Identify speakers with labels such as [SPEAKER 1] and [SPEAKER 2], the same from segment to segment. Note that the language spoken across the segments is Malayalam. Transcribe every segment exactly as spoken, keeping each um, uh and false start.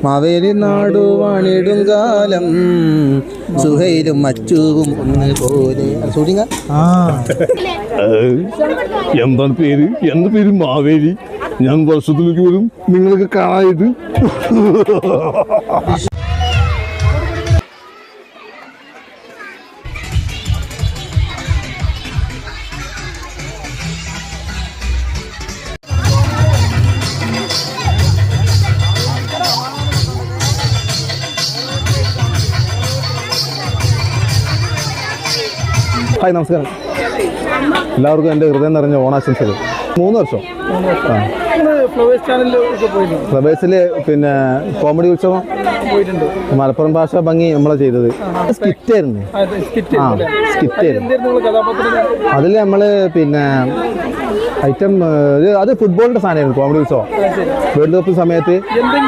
[SPEAKER 1] മാവേലി നാടു വാണിടും കാലം സുഹൈലും മച്ചുവും ഒന്ന് പോലെ സൂടിങ്ങ
[SPEAKER 2] എന്താണ് പേര്? എന്റെ പേര് മാവേലി. ഞാൻ വർഷത്തിലേക്ക് വരും, നിങ്ങൾക്ക് കാണായത്. ഹായ്, നമസ്കാരം. എല്ലാവർക്കും എൻ്റെ ഹൃദയം നിറഞ്ഞ ഓണാശംസകൾ. മൂന്ന് വർഷം ഫ്ലവേഴ്സിൽ പിന്നെ കോമഡി ഉത്സവം പോയിട്ടുണ്ട്. മലപ്പുറം ഭാഷ ഭംഗി നമ്മളെ ചെയ്തത് സ്കിറ്റായിരുന്നു. ആ സ്കിറ്റായിരുന്നു. അതിൽ നമ്മൾ പിന്നെ ഐറ്റം അത് ഫുട്ബോളിന്റെ സാധനമായിരുന്നു. കോമഡി ഉത്സവം വേൾഡ് കപ്പ് സമയത്ത്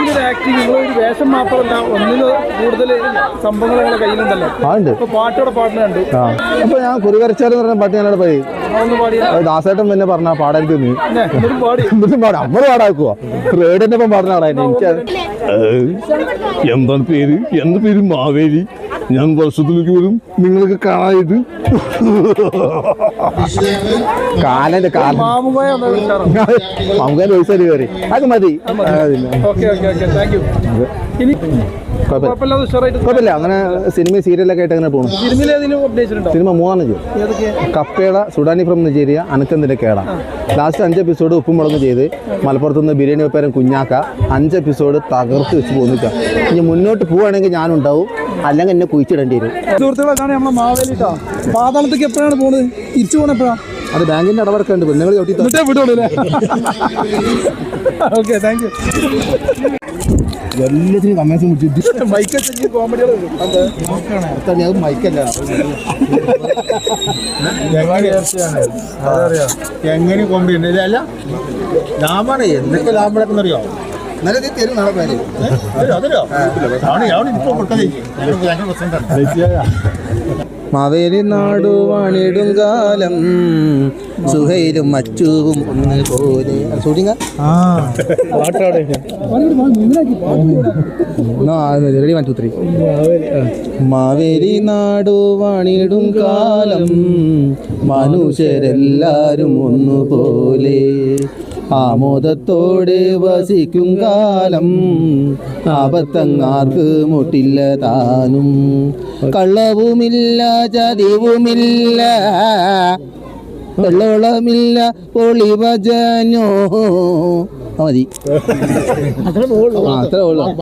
[SPEAKER 2] അതുണ്ട്. ആ അപ്പൊ ഞാൻ കുറി വരച്ചാലെന്ന് പറഞ്ഞ പാട്ട് ഞാനവിടെ പാടി. ദാസേട്ടൻ പിന്നെ പറഞ്ഞ പാടാൻ തോന്നി. എന്നിട്ടും പാടാം, നമ്മൾ പാടാക്കുവോ? റേഡിന്റെ ഒപ്പം പാടുന്ന ആളായിരുന്നു. എനിക്ക് എന്താണ് പേര്? എന്റെ പേര് മാവേലി. ഞാൻ വർഷത്തിലേക്ക് വരും, നിങ്ങൾക്ക് കാണായത്.
[SPEAKER 1] കാലന്റെ കാലം മാമുകാൻ പൈസ കയറി അത് മതി. കുഴപ്പമില്ല. അങ്ങനെ സിനിമ സീരിയലൊക്കെ ആയിട്ട് അങ്ങനെ പോകുന്നു. സിനിമ മൂന്നാണ് ചെയ്തു. കപ്പയുടെ സുഡാനി ഫ്രം നിജീരിയ, അനക്കന്തിന്റെ കേട. ലാസ്റ്റ് അഞ്ച് എപ്പിസോഡ് ഉപ്പും മുളകും ചെയ്ത് മലപ്പുറത്ത് നിന്ന് ബിരിയാണി വെപ്പേരം കുഞ്ഞാക്ക അഞ്ച് എപ്പിസോഡ് തകർത്ത് വെച്ച് പോന്നിക്കാം. ഇനി മുന്നോട്ട് പോവുകയാണെങ്കിൽ ഞാനുണ്ടാവും, അല്ലെങ്കിൽ എന്നെ കുഴിച്ചിടേണ്ടി വരും.
[SPEAKER 3] സുഹൃത്തുക്കളെ, നമ്മളെ മാവേലിട്ടാ പാതാളത്തേക്ക് എപ്പോഴാണ് പോകുന്നത്? തിരിച്ചു പോകണം എപ്പോഴാണ്?
[SPEAKER 1] അത് ബാങ്കിന്റെ അടവടക്കം ഉണ്ട്. പെണ്ണുങ്ങൾ
[SPEAKER 3] ഓക്കെ, താങ്ക് യു.
[SPEAKER 1] എല്ലാത്തിനും കമ്മേഴ്സും മൈക്കല്ല
[SPEAKER 4] എങ്ങനെ കോമഡി ഉണ്ട്. അല്ല ലാഭാണ്. എന്തൊക്കെ ലാഭം അറിയോ?
[SPEAKER 1] നല്ല തരും നാളെ പേര്
[SPEAKER 4] അതല്ലോ ഇപ്പൊ കൊടുക്കാതെ.
[SPEAKER 1] മാവേലി നാടു വാണിടും കാലം സുഹൈലും മച്ചുവും ഒന്ന് പോലെ സൂടിങ്ങ ready one two three. Maveli നാടു വാണിടും കാലം മനുഷ്യരെല്ലാരും ഒന്നുപോലെ ആമോദത്തോടെ വസിക്കും കാലം ആപത്തങ്ങാർക്ക് മുട്ടില്ല താനും കള്ളവുമില്ല ചതിവുമില്ല വെള്ളോളമില്ല പൊളിവജനോ മതി. അത്രേ ഉള്ളൂ.